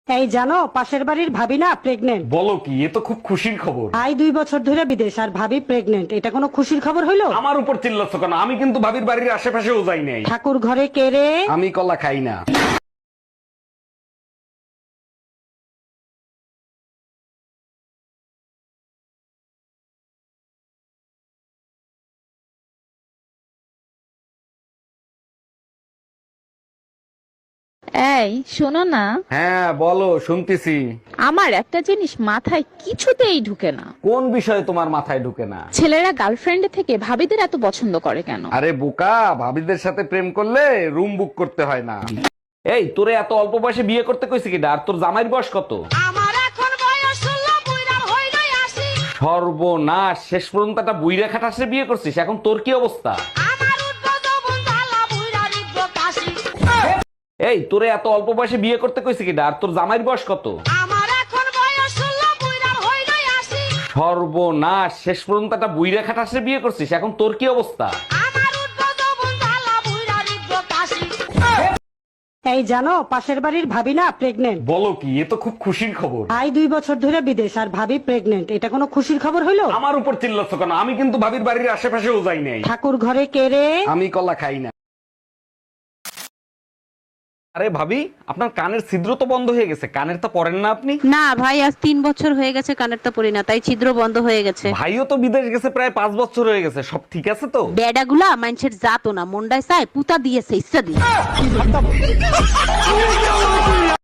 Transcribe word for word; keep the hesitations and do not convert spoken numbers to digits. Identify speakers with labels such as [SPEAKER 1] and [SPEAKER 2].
[SPEAKER 1] এই জানো, পাশের বাড়ির ভাবি না প্রেগনেন্ট।
[SPEAKER 2] বলো কি, এ তো খুব খুশির খবর।
[SPEAKER 1] ভাই দুই বছর ধরে বিদেশ আর ভাবি প্রেগনেন্ট, এটা কোনো খুশির খবর হইলো?
[SPEAKER 2] আমার উপর চিল্লাচ্ছ কেন? আমি কিন্তু ভাবির বাড়ির আশেপাশেও যাই নাই।
[SPEAKER 1] ঠাকুর ঘরে কে রে?
[SPEAKER 2] আমি কলা খাই না।
[SPEAKER 3] এই শোনো না,
[SPEAKER 2] হ্যাঁ বলো, শুনতেছি।
[SPEAKER 3] আমার একটা জিনিস মাথায় কিছুতেই ঢুকে না।
[SPEAKER 2] কোন বিষয় তোমার মাথায় ঢুকে না?
[SPEAKER 3] ছেলেরা গার্লফ্রেন্ডের থেকে ভাবিদের এত পছন্দ করে কেন?
[SPEAKER 2] আরে বোকা, ভাবিদের সাথে প্রেম করলে রুম বুক করতে হয় না। এই তোরে এত অল্প বয়সে বিয়ে করতে কইছে কিডা? আর তোর জামাইয়ের বয়স কত?
[SPEAKER 4] আমার এখন বয়স ষোলো, বুইড়া হইলই আশি।
[SPEAKER 2] সর্বনাশ, শেষ পর্যন্ত একটা বুইরা খাটাসে বিয়ে করছিস। এখন তোর কি অবস্থা?
[SPEAKER 4] আমার উঠবো যৌবন জ্বালা, বুইড়া রিখবো কাশি।
[SPEAKER 2] এই তোরে এত অল্প বয়সে বিয়ে করতে কইছে কিডা? আর তোর জামাইয়ের বয়স কত?
[SPEAKER 4] আমার এখন বয়স ষোলো, বুইড়া হইলই আশি।
[SPEAKER 2] সর্বনাশ, শেষ পর্যন্ত একটা বুইরা খাটাসে বিয়ে করছিস। এখন তোর কি অবস্থা?
[SPEAKER 4] আমার উঠবো যৌবন জ্বালা, বুইড়া রিখবো কাশি।
[SPEAKER 1] এই জানো, পাশের বাড়ির ভাবি না প্রেগনেন্ট।
[SPEAKER 2] বলো কি, এ তো খুব খুশির খবর।
[SPEAKER 1] ভাই দুই বছর ধরে বিদেশ আর ভাবি প্রেগনেন্ট, এটা কোনো খুশির খবর হইলো?
[SPEAKER 2] আমার উপর চিল্লাচ্ছ কেন? আমি কিন্তু ভাবির বাড়ির আশেপাশেও যাই নাই।
[SPEAKER 1] ঠাকুর ঘরে কে রে?
[SPEAKER 2] আমি কলা খাই না। আরে ভাবি, আপনার কানের ছিদ্র তো বন্ধ হয়ে গেছে, কানের তো পরেন না আপনি?
[SPEAKER 5] না ভাই, আজ তিন বছর হয়ে গেছে কানেরটা পরি না, তাই ছিদ্র বন্ধ হয়ে গেছে।
[SPEAKER 2] ভাইও তো বিদেশ গেছে প্রায় পাঁচ বছর হয়ে গেছে, সব ঠিক আছে তো?
[SPEAKER 5] বেডাগুলা মানুষের জাতো না, মুন্ডায় চায় পুতা দিয়েছে ইচ্ছা দিয়ে।